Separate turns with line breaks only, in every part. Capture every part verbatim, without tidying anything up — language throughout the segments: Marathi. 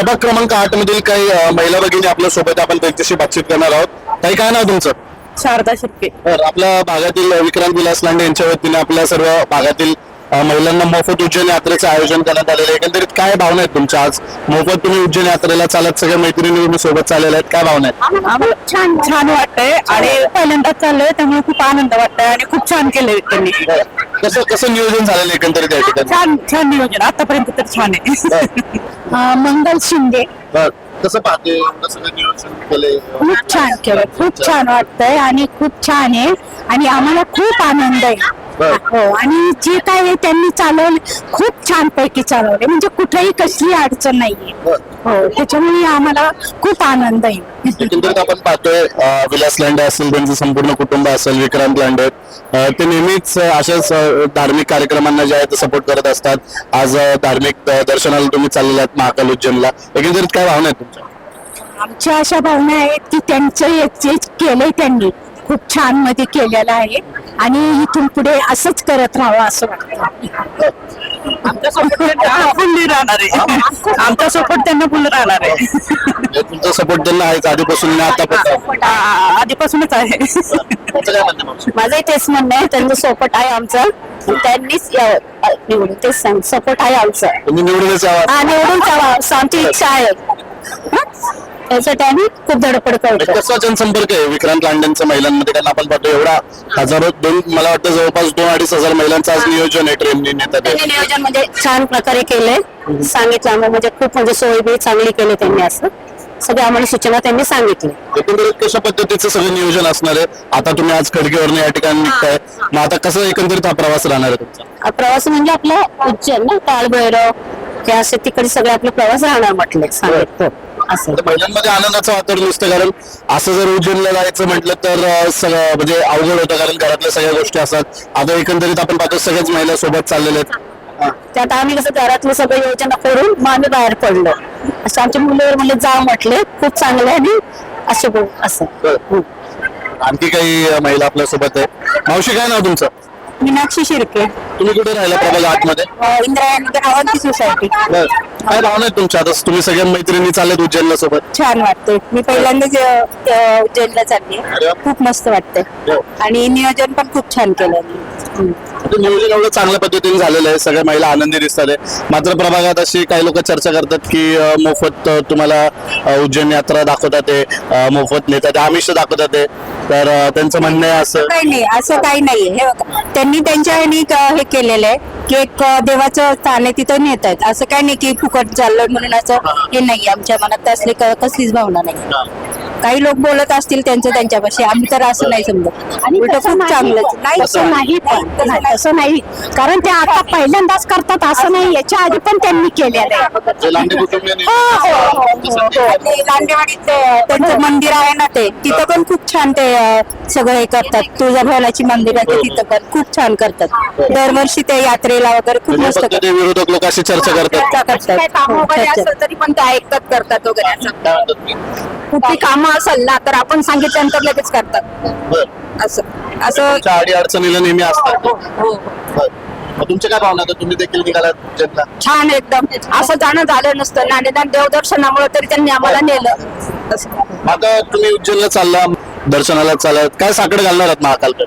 प्रभाग क्रमांक आठ मधील काही अ, महिला भगिनी आपल्या सोबत आपण त्यांच्याशी बातचीत करणार आहोत. ताई, काय नाव तुमचं?
शारदा शिर्के.
तर आपल्या भागातील विक्रांत विलास लांडे यांच्या वतीने आपल्या सर्व भागातील अ, महिलांना मोफत उज्जैन यात्रेचं आयोजन करण्यात आलेलं आहे. एकंदरीत काय भावना आहेत तुमच्या? आज मोफत तुम्ही उज्जैन यात्रेला चालत सगळ्या मैत्रिणी तुम्ही सोबत चाललेल्या आहेत, काय भावना आहेत?
आम्हाला छान छान वाटतंय आणि पहिल्यांदाच चाललोय त्यामुळे खूप आनंद वाटतंय आणि खूप छान केलंय त्यांनी.
कसं कसं नियोजन झालेलं आहे एकंदरीत या ठिकाणी?
छान छान नियोजन आतापर्यंत तर छान आहे. मंगल शिंदे.
बरं. कसं पाहते एवढं सगळं नियोजन केलंय?
खूप छान केलं, खूप छान वाटतंय आणि खूप छान आहे आणि आम्हाला खूप आनंद आहे.
बरं.
हो, आणि जे काय आहे त्यांनी चालवले खूप छान पैकी चालवले, म्हणजे कुठेही कसली अडचण नाहीये.
बरं.
हो, त्याच्यामुळे आम्हाला खूप आनंद आहे.
एकंदरीत आपण पाहतोय अ, विलास लांडे असेल, त्यांचं संपूर्ण कुटुंब असेल, विक्रांत लांडे अ, ते नेहमीच अ, अशाच अ, धार्मिक कार्यक्रमांना जे आहे ते सपोर्ट करत असतात. आज अ, धार्मिक अ, दर्शनाला तुम्ही चाललेले आहात महाकाल उज्जैनला. एकंदरीत काय भावना आहेत तुमच्या?
आमच्या अशा भावना आहेत की त्यांचं हे जे केलंय त्यांनी खूप छान मध्ये केलेलं आहे आणि इथून पुढे असंच करत राहावं असं वाटतं.
आमचा सपोर्ट फुल्ली राहणार आहे. आमचा सपोर्ट त्यांना फुल राहणार आहे.
म्हणजे तुमचा सपोर्ट त्यांना आहेच आधीपासून आणि आतापर्यंत.
आ- आधीपासूनच आहे.
तुमचं काय म्हणणं मावशी?
माझंही तेच म्हणणं आहे, त्यांचं सपोर्ट आहे आमचं. त्यांनीच यावं, अ, निवडून तेच सांग, सपोर्ट आहे आमचं.
तुम्ही निवडूनच यावा.
हा, निवडून जावा आमची इच्छा आहे. हं? त्यासाठी आम्ही खूप धडपड करतो.
कसा जनसंपर्क आहे विक्रांत लांडेंचा महिलांमध्ये? कारण आपण पाहतो एवढा हजारो दोन मला वाटतं जवळपास दोन अडीच हजार महिलांचं आज नियोजन आहे ट्रेनने नेतात.
त्यांनी नियोजन म्हणजे छान प्रकारे केलंय, सांगितलं आम्हाला, म्हणजे खूप म्हणजे सोय बी चांगली केली त्यांनी. असं सगळ्या आम्हाला सूचना त्यांनी सांगितली.
एकंदरीत कशा पद्धतीचं सगळं नियोजन असणार आहे? आता तुम्ही आज खडकीवरनं या ठिकाणी निघताय, मग आता कसं एकंदरीत हा प्रवास राहणार आहे तुमचा?
हा प्रवास म्हणजे आपला उज्जैन ना, काळभैरव हे असे तिकडे सगळे आपले प्रवास राहणार म्हटले सांगितलं असं.
आता महिलांमध्ये आनंदाचं वातावरण दिसतं, कारण असं जर उज्जैनला जायचं म्हटलं तर अं, सगळं म्हणजे अवघड होतं, कारण घरातल्या सगळ्या गोष्टी असतात. आता एकंदरीत आपण पाहतो सगळ्याच महिला सोबत चाललेल्या आहेत.
त्यात आम्ही कसं घरातली सगळी योजना करून मग आम्ही बाहेर पडलो. असं आमच्या मुलीवर म्हणजे जा म्हटले, खूप चांगले आणि असे बोल असं.
बरं. आणखी काही अं, महिला आपल्या सोबत आहे. मावशी, काय नाव तुमचं?
मीनाक्षी शिर्के,
तुम्ही कुठे राहिला प्रभाग आतमध्ये?
इंद्रायणी अवंती सोसायटी.
बरं. काय भावना आहेत तुमच्या? आता तुम्ही सगळ्या मैत्रिणी चाललेत उज्जैनला सोबत.
छान वाटते. मी पहिल्यांदाच अ, अ, उज्जैनला चालली
अरे वा.
खूप मस्त वाटतंय
हो.
आणि नियोजन पण खूप छान केलं.
आता नियोजन एवढं चांगल्या पद्धतीने झालेलं आहे, सगळ्या महिला आनंदी दिसतात आहे. मात्र प्रभागात अशी काही लोक चर्चा करतात की अं, मोफत अं, तुम्हाला अं, उज्जैन यात्रा दाखवतात ते, अं, मोफत नेतात, आमिष दाखवतात ते. तर अं, त्यांचं म्हणणं आहे असं.
काही नाही, असं काही नाही. हे बघा, त्यांनी त्यांच्या ह्यानी क- हे केलेलं आहे की एक अ, देवाचं स्थान आहे तिथं नेत आहेत. असं काही नाही की फुकट चाललं म्हणून असं हे नाही. आमच्या मनात असली क- कसलीच भावना नाही. काही लोक बोलत असतील त्यांचं त्यांच्यापाशी, आम्ही तर असं नाही समजत. आणि उलटं खूप चांगलंच नाही. असं नाही, पण नाही, असं नाही, कारण ते आता पहिल्यांदाच करतात असं नाही. याच्या आधी पण त्यांनी केलेलं आहे.
जे लांडे कुटुंबियांनी-
हो, हो, हो, हो, हो. ते लांडेवाडीत ते, त्यांचं मंदिर आहे ना, ते तिथं पण खूप छान ते अ, सगळं हे करतात. तुळजाभवानीची मंदिर आहे ते तिथं पण खूप छान करतात. दरवर्षी ते यात्रेला वगैरे खूप
म्हणजे
मस्त
फक्त ते विरोधक लोक अशी चर्चा करतात.
काही काम वगैरे असेल तरी पण ते ऐकतात, करतात वगैरे असं.
काय म्हणतात तुम्ही?
कुठली कामं असेल ना तर आपण सांगितल्यानंतर लगेच करतात.
बरं.
असं असं
तुमच्या अडी अडचणीला नेहमी असतात.
हो, हो.
बरं. मग तुमच्या काय भावना आहेत? तुम्ही देखील निघालात उज्जैनला.
छान एकदम. असं जाणं झालं नसतं ना, निदान देवदर्शनामुळे तरी त्यांनी आम्हाला नेलं. असं.
आता तुम्ही उज्जैनला चालला, दर्शनाला चालत, काय साकड घालणार आहात महाकालकडे?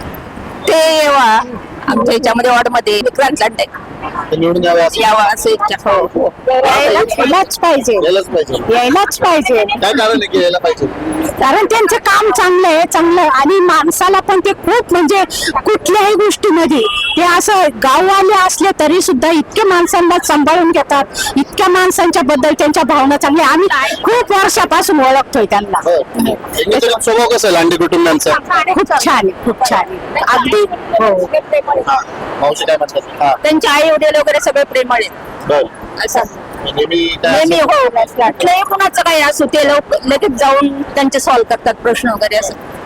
ते वा आमच्या याच्यामध्ये वॉर्डमध्ये विक्रांत लांडे
ते निवडून यावं असं
यावा असं इच्छा. हो, हो. यायलाच पाहिजे,
यायलाच पाहिजे.
यायलाच पाहिजे,
काय कारण आहे की यायला पाहिजे?
कारण त्यांचं काम चांगलं आहे, चांगलं. आणि माणसाला पण ते खूप म्हणजे कुठल्याही गोष्टीमध्ये ते असं गाववाले असले तरी सुद्धा इतके माणसांना सांभाळून घेतात. इतक्या माणसांच्या बद्दल त्यांच्या भावना चांगल्या. आम्ही खूप वर्षापासून ओळखतोय त्यांना.
बरं. एकंदरीत स्वभाव कसा आहे लांडे कुटुंबियांचा?
खूप छान आहे, खूप छान आहे. अगदी हो.
हा. मावशी काय म्हणतात? हा.
त्यांचे आई वडील वगैरे सगळे प्रेमळ आहेत.
बरं.
असं
नेहमी काय
नेहमी
असं-
हो, कुठलंही कुणाचं काही असो ते लोक लगेच जाऊन त्यांचे सॉल्व्ह करतात प्रश्न वगैरे असं.